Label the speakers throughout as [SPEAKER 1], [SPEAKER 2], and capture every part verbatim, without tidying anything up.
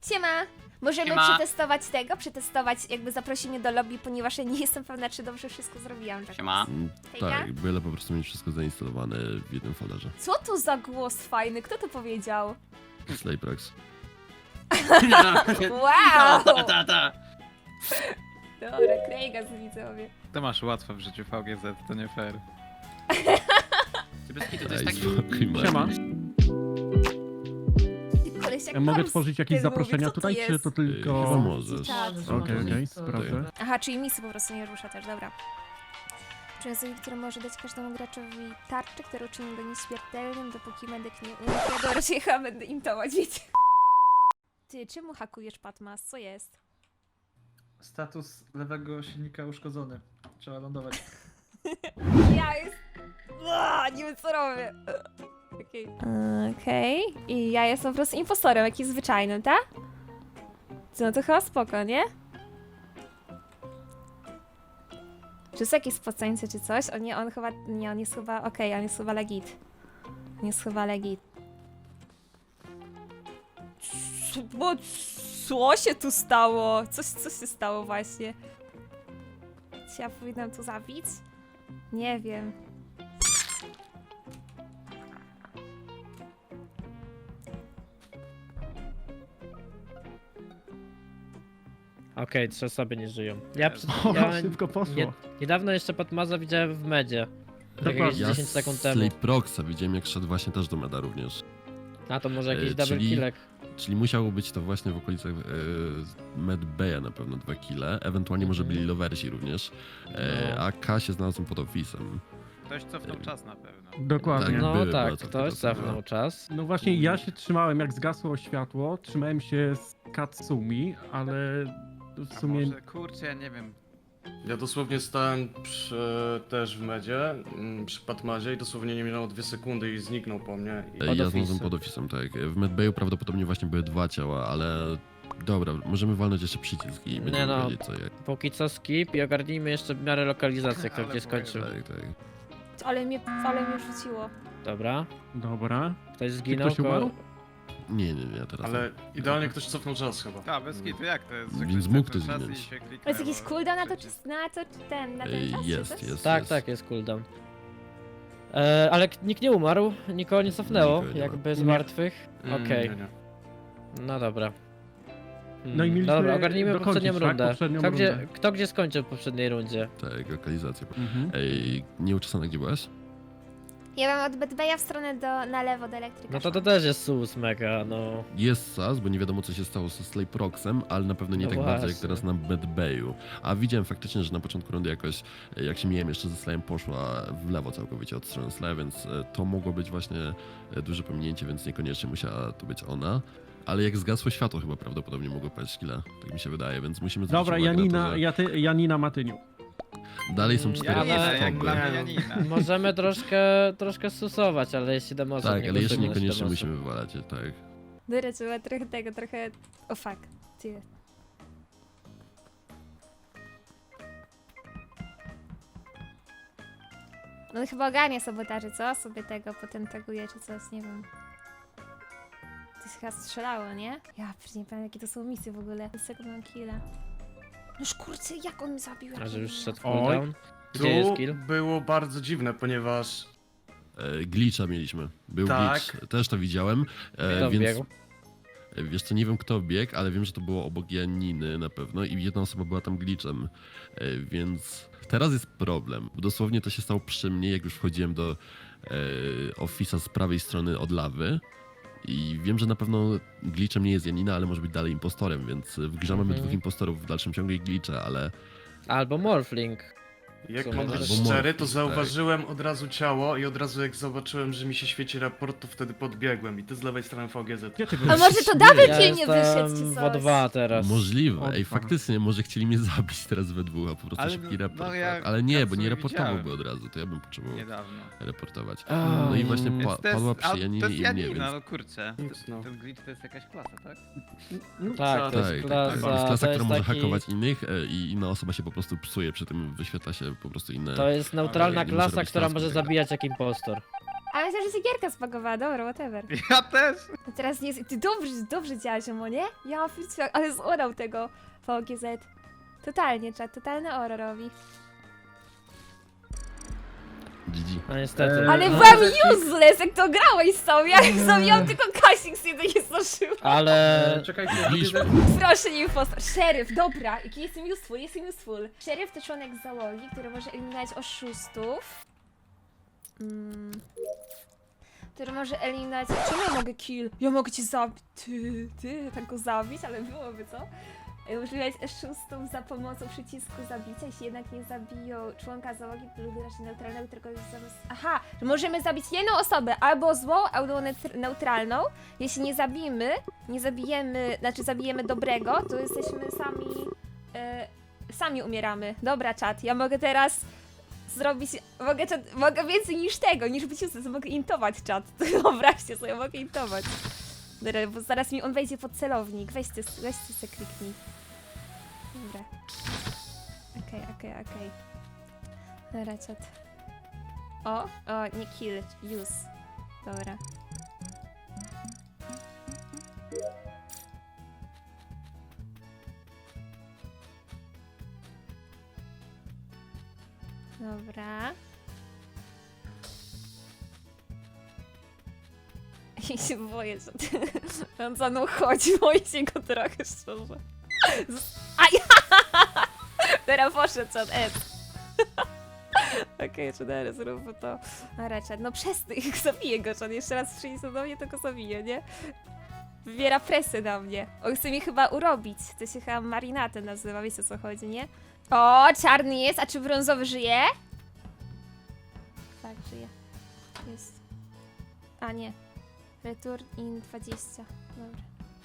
[SPEAKER 1] Siema! Możemy
[SPEAKER 2] Siema.
[SPEAKER 1] przetestować tego, przetestować jakby zaprosimy do lobby, ponieważ ja nie jestem pewna, czy dobrze wszystko zrobiłam. Tak.
[SPEAKER 2] Siema.
[SPEAKER 3] Mm,
[SPEAKER 1] Hejka?
[SPEAKER 3] Tak, byle po prostu mieć wszystko zainstalowane w jednym folderze.
[SPEAKER 1] Co to za głos fajny? Kto to powiedział?
[SPEAKER 3] Slayprox.
[SPEAKER 1] Wow!
[SPEAKER 2] Ta, ta, ta.
[SPEAKER 1] Dobra, Craiga z widzowie.
[SPEAKER 4] To masz łatwo w życiu V G Z, to nie fair.
[SPEAKER 2] Ty bez kitu, to jest
[SPEAKER 3] Daj
[SPEAKER 2] taki...
[SPEAKER 3] spokój, Marek.
[SPEAKER 5] Siema.
[SPEAKER 1] Koleś jak
[SPEAKER 5] Ja mogę
[SPEAKER 1] Mars
[SPEAKER 5] tworzyć jakieś
[SPEAKER 1] wtedy
[SPEAKER 5] zaproszenia
[SPEAKER 1] mówi, co to
[SPEAKER 5] tutaj, czy
[SPEAKER 1] jest?
[SPEAKER 5] to
[SPEAKER 3] Chyba
[SPEAKER 5] tylko...
[SPEAKER 3] możesz.
[SPEAKER 1] Czat.
[SPEAKER 5] Okej, okej,
[SPEAKER 3] Tutaj.
[SPEAKER 5] sprawdzę.
[SPEAKER 1] Aha, czyli misy po prostu nie rusza też, dobra. Człowiek, który może dać każdemu graczowi tarczę, która uczyni go nieśmiertelnym, dopóki medyk nie umrze. Dobra, czy ja będę intować, wiecie. Ty, czemu hakujesz Patmas? Co jest?
[SPEAKER 6] Status lewego silnika uszkodzony. Trzeba lądować.
[SPEAKER 1] Ja jest... Ua, nie wiem co robię. Okej. Okej. I ja jestem po prostu impostorem, jakimś zwyczajnym, tak? No to chyba spoko, nie? Czy są jakieś spoceńce czy coś? O nie, on chyba... Nie, on jest chyba... Okej, on jest chyba legit. On jest chyba legit. Co, bo co się tu stało? Coś, co się stało właśnie? Czy ja powinnam tu zabić? Nie wiem.
[SPEAKER 7] Okej, trzy osoby nie żyją. Ja, przed,
[SPEAKER 5] O,
[SPEAKER 7] ja
[SPEAKER 5] szybko poszło.
[SPEAKER 7] nie, niedawno jeszcze Patmaza widziałem w medzie.
[SPEAKER 5] Dokładnie.
[SPEAKER 7] Jakieś
[SPEAKER 3] Ja
[SPEAKER 7] dziesięć sekund temu.
[SPEAKER 3] Slayproxa widziałem, jak szedł właśnie też do meda również.
[SPEAKER 7] A to może jakiś
[SPEAKER 3] E,
[SPEAKER 7] double
[SPEAKER 3] czyli-
[SPEAKER 7] killek.
[SPEAKER 3] Czyli musiało być to właśnie w okolicach e, Medbaya na pewno dwa kile, ewentualnie może
[SPEAKER 7] Mhm.
[SPEAKER 3] byli lowersi również, e,
[SPEAKER 7] No.
[SPEAKER 3] a K się znalazł pod office'em.
[SPEAKER 4] Ktoś cofnął czas na pewno.
[SPEAKER 5] Dokładnie.
[SPEAKER 3] Tak.
[SPEAKER 7] No
[SPEAKER 3] były
[SPEAKER 7] tak,
[SPEAKER 3] bardzo
[SPEAKER 7] ktoś
[SPEAKER 3] takie dosyć,
[SPEAKER 7] cofnął czas.
[SPEAKER 5] No właśnie, ja się trzymałem, jak zgasło światło, trzymałem się z Katsumi, ale w
[SPEAKER 4] A
[SPEAKER 5] sumie...
[SPEAKER 4] może, kurczę, ja nie wiem.
[SPEAKER 8] Ja dosłownie stałem przy, też w medzie, mm, przy Patmazie i dosłownie nie minęło dwie sekundy i zniknął po mnie. I...
[SPEAKER 3] E,
[SPEAKER 7] Pod
[SPEAKER 3] ja
[SPEAKER 7] office'em.
[SPEAKER 3] znalazłem pod office'em, tak. W Medbayu prawdopodobnie właśnie były dwa ciała, ale dobra, możemy walnąć jeszcze przycisk i będziemy
[SPEAKER 7] no.
[SPEAKER 3] wiedzieć co jak.
[SPEAKER 7] Póki co skip i ogarnijmy jeszcze w miarę lokalizację, kto
[SPEAKER 4] Ale
[SPEAKER 7] gdzie skończył.
[SPEAKER 3] Tak, tak.
[SPEAKER 1] Ale mnie, ale mnie rzuciło.
[SPEAKER 7] Dobra.
[SPEAKER 5] Dobra.
[SPEAKER 7] Ktoś zginął.
[SPEAKER 5] ktoś umarł?
[SPEAKER 3] Nie, nie, nie, teraz
[SPEAKER 8] Ale idealnie ktoś cofnął czas chyba.
[SPEAKER 4] A, bez kitu, jak to jest? że
[SPEAKER 3] Więc
[SPEAKER 4] ktoś
[SPEAKER 3] mógł
[SPEAKER 4] cofnął
[SPEAKER 3] ktoś
[SPEAKER 4] czas i
[SPEAKER 3] zginąć.
[SPEAKER 4] się kliknęło
[SPEAKER 1] To jest jakiś cooldown na to,
[SPEAKER 4] przycisk.
[SPEAKER 1] czy, na to, czy ten, na
[SPEAKER 3] E,
[SPEAKER 1] ten czas? czy
[SPEAKER 3] Jest,
[SPEAKER 1] coś?
[SPEAKER 3] jest.
[SPEAKER 7] Tak,
[SPEAKER 3] jest.
[SPEAKER 7] tak, jest cooldown. E, ale k- nikt nie umarł, nikogo nie cofnęło,
[SPEAKER 3] Nikogo nie ma.
[SPEAKER 7] jakby z
[SPEAKER 5] Nie.
[SPEAKER 7] martwych.
[SPEAKER 8] Mm,
[SPEAKER 7] Okej,
[SPEAKER 8] nie, nie.
[SPEAKER 7] no dobra.
[SPEAKER 5] No i mieliśmy
[SPEAKER 7] Dobra, ogarnijmy
[SPEAKER 5] dokończyć,
[SPEAKER 7] poprzednią
[SPEAKER 5] tak?
[SPEAKER 7] rundę.
[SPEAKER 5] Poprzednią
[SPEAKER 7] Kto, gdzie,
[SPEAKER 5] rundę.
[SPEAKER 7] kto gdzie skończył w poprzedniej rundzie?
[SPEAKER 3] Tak, lokalizacja.
[SPEAKER 5] Mhm.
[SPEAKER 3] Ej, nieuczesana, gdzie byłaś?
[SPEAKER 1] Ja mam od Bedbeja w stronę do, na lewo do elektryka.
[SPEAKER 7] No to to
[SPEAKER 1] szłam.
[SPEAKER 7] też jest sus mega, no.
[SPEAKER 3] Jest S A S, bo nie wiadomo co się stało ze Slayproxem, ale na pewno nie
[SPEAKER 7] No
[SPEAKER 3] tak bardzo jak
[SPEAKER 7] właśnie.
[SPEAKER 3] teraz na Medbayu. A widziałem faktycznie, że na początku rundy jakoś, e, jak się mijałem jeszcze ze Slayem, poszła w lewo całkowicie od strony Slaya, więc e, to mogło być właśnie e, duże pominięcie, więc niekoniecznie musiała to być ona. Ale jak zgasło światło, chyba prawdopodobnie mogło paść killa, tak mi się wydaje, więc musimy zwrócić
[SPEAKER 5] Dobra,
[SPEAKER 3] uwagę na
[SPEAKER 5] Janina,
[SPEAKER 3] to, że
[SPEAKER 5] ja ty, Janina Matyniu.
[SPEAKER 3] dalej są
[SPEAKER 7] Mm,
[SPEAKER 3] cztery
[SPEAKER 4] Janina, jak
[SPEAKER 3] osoby.
[SPEAKER 4] dla mnie Janina.
[SPEAKER 7] Możemy troszkę, troszkę susować, ale jeśli damy osobę,
[SPEAKER 3] Tak,
[SPEAKER 7] nie
[SPEAKER 3] ale jeszcze
[SPEAKER 7] głosujmy na
[SPEAKER 3] niekoniecznie
[SPEAKER 7] siedem
[SPEAKER 3] musimy wywalać, tak.
[SPEAKER 1] Dobra, trzeba trochę tego, trochę... O fuck. Ty. No chyba ogarnia sabotaży, co? Sobie tego potem taguje czy coś, nie wiem. To jest chyba strzelało, nie? Ja przecież nie pamiętam jakie to są misje w ogóle. Z tego mam killa. No kurczę, jak on mnie zabił? jak
[SPEAKER 7] A że
[SPEAKER 1] nie
[SPEAKER 7] już
[SPEAKER 1] wiem.
[SPEAKER 7] szedł
[SPEAKER 5] Oj.
[SPEAKER 7] cooldown?
[SPEAKER 8] Tu
[SPEAKER 7] Gdzie jest kill?
[SPEAKER 8] było bardzo dziwne, ponieważ
[SPEAKER 3] E, glitcha mieliśmy. Był
[SPEAKER 8] Tak.
[SPEAKER 3] glitch, też to widziałem. E,
[SPEAKER 7] Kto
[SPEAKER 3] więc
[SPEAKER 7] wbiegł?
[SPEAKER 3] e, wiesz co, nie wiem kto biegł, ale wiem, że to było obok Janiny na pewno i jedna osoba była tam glitchem. E, więc teraz jest problem. Dosłownie to się stało przy mnie, jak już wchodziłem do e, ofisa z prawej strony od lawy. I wiem, że na pewno glitchem nie jest Janina, ale może być dalej impostorem, więc w grze mamy
[SPEAKER 7] Mhm.
[SPEAKER 3] dwóch impostorów w dalszym ciągu i glitcha, ale
[SPEAKER 7] Albo Morphling.
[SPEAKER 8] jak
[SPEAKER 7] Sumie
[SPEAKER 8] mam
[SPEAKER 7] tak.
[SPEAKER 8] być
[SPEAKER 3] Albo
[SPEAKER 8] szczery,
[SPEAKER 3] morfling,
[SPEAKER 8] to
[SPEAKER 3] tak.
[SPEAKER 8] zauważyłem od razu ciało i od razu jak zobaczyłem, że mi się świeci raport, to wtedy podbiegłem i ty z lewej strony V G Z.
[SPEAKER 5] Gdzie ty
[SPEAKER 1] A
[SPEAKER 5] byłeś?
[SPEAKER 1] może to double
[SPEAKER 7] Ja
[SPEAKER 1] kill nie wyszedł
[SPEAKER 7] jestem
[SPEAKER 1] czy
[SPEAKER 7] w
[SPEAKER 1] coś?
[SPEAKER 7] O dwa teraz.
[SPEAKER 3] możliwe.
[SPEAKER 5] O,
[SPEAKER 3] Ej,
[SPEAKER 5] dwa.
[SPEAKER 3] faktycznie, może chcieli mnie zabić teraz we dwóch, a po prostu
[SPEAKER 4] Ale
[SPEAKER 3] szybki
[SPEAKER 4] no,
[SPEAKER 3] raport.
[SPEAKER 4] no ja
[SPEAKER 3] ale nie, bo nie
[SPEAKER 4] Katsui
[SPEAKER 3] raportowałby
[SPEAKER 4] widziałem.
[SPEAKER 3] od razu, to ja bym potrzebował
[SPEAKER 4] Niedawno.
[SPEAKER 3] reportować.
[SPEAKER 7] A,
[SPEAKER 3] No i właśnie
[SPEAKER 7] mm.
[SPEAKER 3] pa,
[SPEAKER 4] Więc to jest,
[SPEAKER 3] padła przy
[SPEAKER 4] a,
[SPEAKER 3] Janinie
[SPEAKER 4] to jest
[SPEAKER 3] i mnie,
[SPEAKER 4] Janina,
[SPEAKER 3] więc...
[SPEAKER 4] no kurczę.
[SPEAKER 8] No.
[SPEAKER 4] Ten glitch to jest jakaś klasa, tak?
[SPEAKER 7] Tak, to
[SPEAKER 3] Tak,
[SPEAKER 7] jest
[SPEAKER 3] tak,
[SPEAKER 7] klasa,
[SPEAKER 3] tak. To jest klasa,
[SPEAKER 7] to
[SPEAKER 3] która
[SPEAKER 7] jest
[SPEAKER 3] może
[SPEAKER 7] taki...
[SPEAKER 3] hakować innych e, i inna osoba się po prostu psuje, przy tym wyświetla się po prostu inne...
[SPEAKER 7] To jest neutralna
[SPEAKER 3] nie może
[SPEAKER 7] klasa,
[SPEAKER 3] robić
[SPEAKER 7] która
[SPEAKER 3] tasków
[SPEAKER 7] może
[SPEAKER 3] tego.
[SPEAKER 7] zabijać jak impostor.
[SPEAKER 1] A myślę, że się gierka spakowała, dobra, whatever.
[SPEAKER 4] Ja też!
[SPEAKER 1] A teraz nie jest... Ty dobrze, dobrze działaś, Omo, nie? Ja pierdzielę, ale zorał tego V G Z. Totalnie, czat, totalny oro robi.
[SPEAKER 3] G G.
[SPEAKER 7] No niestety.
[SPEAKER 6] Eee,
[SPEAKER 1] Ale
[SPEAKER 6] no,
[SPEAKER 1] wam
[SPEAKER 6] taki-
[SPEAKER 1] useless, jak to grałeś sobie, ja zrobiłam tylko kasik z jednej nie zdążyłam.
[SPEAKER 7] Ale...
[SPEAKER 6] E, Czekajcie,
[SPEAKER 3] Byliśmy.
[SPEAKER 6] widzę-
[SPEAKER 1] Proszę nie impostor. Szeryf, dobra, jaki jestem useful, jestem useful. Szeryf to członek załogi, który może eliminować oszustów. Mm. Który może eliminować... Czemu ja mogę kill? Ja mogę cię zabić. Ty, ty, tak go zabić, ale byłoby co? Używać oszustów za pomocą przycisku zabicia, jeśli jednak nie zabiją członka załogi lub raczej neutralnego, tylko jest zamiast... Aha, że możemy zabić jedną osobę, albo złą, albo neutr- neutralną. Jeśli nie zabijemy, nie zabijemy, znaczy zabijemy dobrego, to jesteśmy sami, e, sami umieramy. Dobra, czat, ja mogę teraz zrobić, mogę, czat, mogę więcej niż tego, niż być useless, mogę intować czat. Wyobraźcie sobie, mogę intować. Dobra, bo zaraz mi on wejdzie pod celownik, weźcie, weźcie se kliknij. Dobra. Okej, okej, okej. Dobra, czat. O, o, nie kill, use. Dobra. Dobra. Ja się boję, że on za mną chodzi, boję się go trochę szczerze. Z- Aj! Teraz poszedł czat S. Okej, czy teraz zróbmy to. A raczej, no przestań, zabiję go, czat. Jeszcze raz przyjdzie do mnie, to go zabiję, nie? Wywiera presję na mnie. On chce mnie chyba urobić. To się chyba marinatem nazywa, wiecie o co chodzi, nie? O, czarny jest, a czy brązowy żyje? Tak, żyje. Jest. A nie. Return in dwadzieścia. Dobra.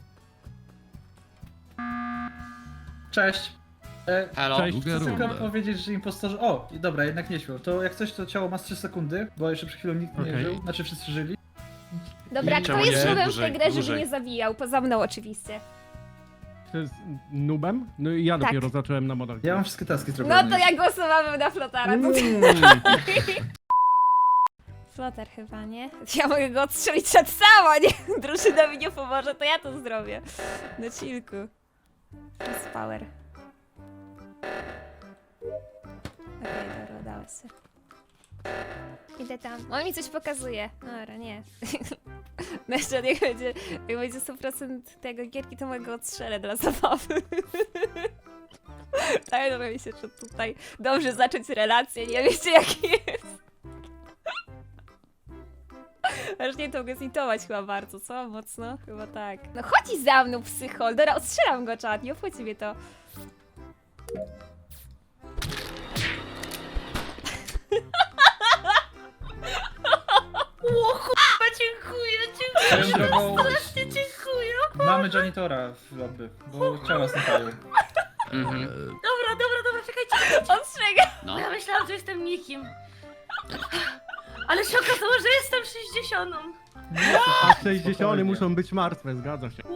[SPEAKER 6] Cześć. E,
[SPEAKER 2] Hello.
[SPEAKER 5] Cześć.
[SPEAKER 3] Druga
[SPEAKER 6] Chcę tylko
[SPEAKER 3] runda.
[SPEAKER 6] powiedzieć, że impostorzy... O, i dobra, jednak nie śmiał. To jak coś, to ciało ma z trzy sekundy, bo jeszcze przed chwilą nikt nie
[SPEAKER 5] Okej.
[SPEAKER 6] żył. Znaczy wszyscy żyli.
[SPEAKER 1] Dobra,
[SPEAKER 8] I
[SPEAKER 1] kto
[SPEAKER 8] czemu
[SPEAKER 1] jest
[SPEAKER 8] nie?
[SPEAKER 1] nubem w tę
[SPEAKER 8] Dłużej,
[SPEAKER 1] grę, żeby
[SPEAKER 8] dłużej.
[SPEAKER 1] nie zabijał? Poza mną oczywiście.
[SPEAKER 5] To jest nubem? No i ja
[SPEAKER 1] Tak.
[SPEAKER 5] dopiero zacząłem na modach.
[SPEAKER 6] Ja mam wszystkie taski zrobione.
[SPEAKER 1] No to ja głosowałabym na Flotara. To...
[SPEAKER 5] Mm.
[SPEAKER 1] Flotar chyba, nie? Ja mogę go odstrzelić przed sama, nie? Drużyna mi nie pomoże, to ja to zrobię. Na chillku. Jest power. Okej, dobra, udało się. Idę tam. On mi coś pokazuje. Dobra, nie. No jeszcze niech będzie, jak będzie sto procent tego gierki, to mogę go odstrzelę dla zabawy. Tak, dobra, mi się, że tutaj dobrze zacząć relację, nie wiecie jaki jest. Aż nie to go zintować chyba bardzo, co? Mocno? Chyba tak. No chodź za mną, psychol. Dobra, odstrzelam go, czat, nie obchodzi mnie to.
[SPEAKER 9] Dziękuję, dziękuję,
[SPEAKER 6] Swoją drogą
[SPEAKER 9] dziękuję.
[SPEAKER 6] mamy janitora w lobby, bo ciała znikają.
[SPEAKER 2] Mhm.
[SPEAKER 3] E,
[SPEAKER 9] Dobra, dobra, dobra, czekajcie.
[SPEAKER 1] Ostrzegam.
[SPEAKER 2] No.
[SPEAKER 9] Ja myślałam, że jestem nikim. Ale się okazało, że jestem sześćdziesiątą.
[SPEAKER 5] A sześćdziesiąt
[SPEAKER 6] Spokojnie.
[SPEAKER 5] muszą być martwe, zgadza się.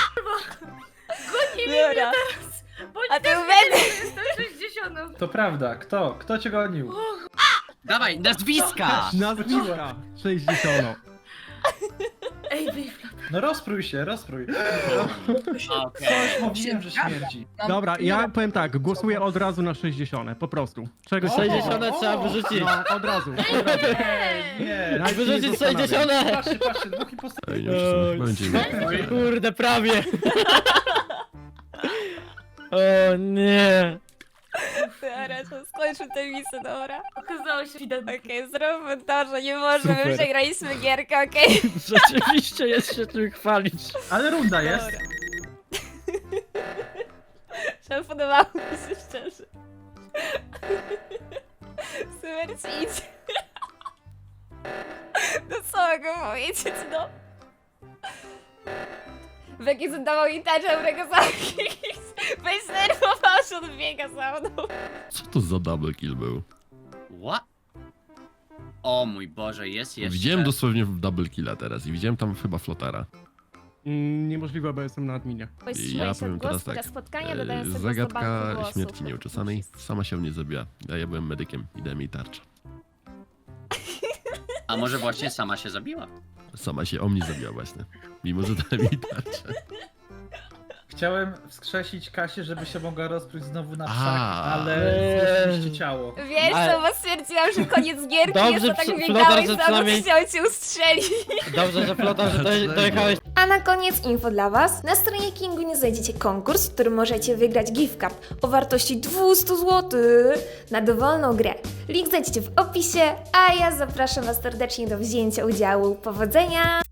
[SPEAKER 9] Goni mnie
[SPEAKER 1] Dobra.
[SPEAKER 9] teraz. Bo
[SPEAKER 1] A
[SPEAKER 9] nie
[SPEAKER 1] ty
[SPEAKER 9] też
[SPEAKER 1] będę.
[SPEAKER 9] wiedzieli, że jestem sześćdziesiątą.
[SPEAKER 6] To prawda, kto? Kto cię gonił?
[SPEAKER 2] Dawaj, nazwiska!
[SPEAKER 5] Nazwiska sześćdziesiąt.
[SPEAKER 9] Ej, wyfla.
[SPEAKER 6] No rozprój się, rozprój.
[SPEAKER 2] Okej.
[SPEAKER 6] Coś mówiłem, że śmierdzi.
[SPEAKER 5] Dobra, ja powiem tak, głosuję od razu na sześćdziesiąt, po prostu. Czegoś
[SPEAKER 7] sześćdziesiąt
[SPEAKER 6] o,
[SPEAKER 7] trzeba
[SPEAKER 6] o.
[SPEAKER 7] wyrzucić.
[SPEAKER 5] No, od razu, od razu.
[SPEAKER 6] Nie,
[SPEAKER 5] Nawet się nie
[SPEAKER 7] Wyrzucić
[SPEAKER 5] zastanawiam.
[SPEAKER 7] sześćdziesiąt!
[SPEAKER 6] patrzcie, patrzcie, dwóch impostorów.
[SPEAKER 3] Ej, nie wiem, czy to będzie miał.
[SPEAKER 7] Kurde, prawie. O nie.
[SPEAKER 1] Dobra, to skończmy tę misję, dobra.
[SPEAKER 9] Okazało się, że
[SPEAKER 1] Okej, zróbmy to, że nie możemy,
[SPEAKER 7] Super.
[SPEAKER 1] przegraliśmy gierkę, okej?
[SPEAKER 7] Rzeczywiście jest się czym chwalić.
[SPEAKER 6] Ale runda jest.
[SPEAKER 1] Dobra. Że podobało mi się szczerze. Super ci idzie. No co mogę powiedzieć, no? Becky zadawał mi tarczę, którego zabić. Weź nerwował, że on biega za mną.
[SPEAKER 3] Co to za double kill był?
[SPEAKER 2] What? O mój Boże, jest jeszcze.
[SPEAKER 3] Widziałem dosłownie double killa teraz i widziałem tam chyba Flotara.
[SPEAKER 5] Mm, niemożliwe, bo jestem na adminie.
[SPEAKER 3] Ja powiem teraz tak.
[SPEAKER 1] spotkania,
[SPEAKER 3] e,
[SPEAKER 1] dodając sobie do
[SPEAKER 3] Zagadka
[SPEAKER 1] banku głosów.
[SPEAKER 3] śmierci nieuczesanej sama się nie zabiła, a ja byłem medykiem i dałem jej tarczę.
[SPEAKER 2] A może właśnie sama się zabiła?
[SPEAKER 3] Sama się o mnie zabiła właśnie. Mimo, że dałem jej tarczę.
[SPEAKER 6] Chciałem wskrzesić Kasię, żeby się mogła rozpróć znowu na
[SPEAKER 3] A.
[SPEAKER 6] wszak, ale
[SPEAKER 7] Eee.
[SPEAKER 6] zniszczyliście ciało.
[SPEAKER 1] Wiesz
[SPEAKER 7] Ale-
[SPEAKER 1] co, bo stwierdziłam, że koniec gierki,
[SPEAKER 7] Dobrze,
[SPEAKER 1] jest to tak
[SPEAKER 7] przy-
[SPEAKER 1] biegałeś
[SPEAKER 7] Flotar, że
[SPEAKER 1] za mną,
[SPEAKER 7] przynajmniej-
[SPEAKER 1] chciał cię ustrzelić.
[SPEAKER 7] Dobrze, że Flotar, że doje- dojechałeś.
[SPEAKER 1] A na koniec info dla Was. Na stronie Kingu nie znajdziecie konkurs, w którym możecie wygrać gift card o wartości dwieście złotych na dowolną grę. Link znajdziecie w opisie, a ja zapraszam Was serdecznie do wzięcia udziału. Powodzenia!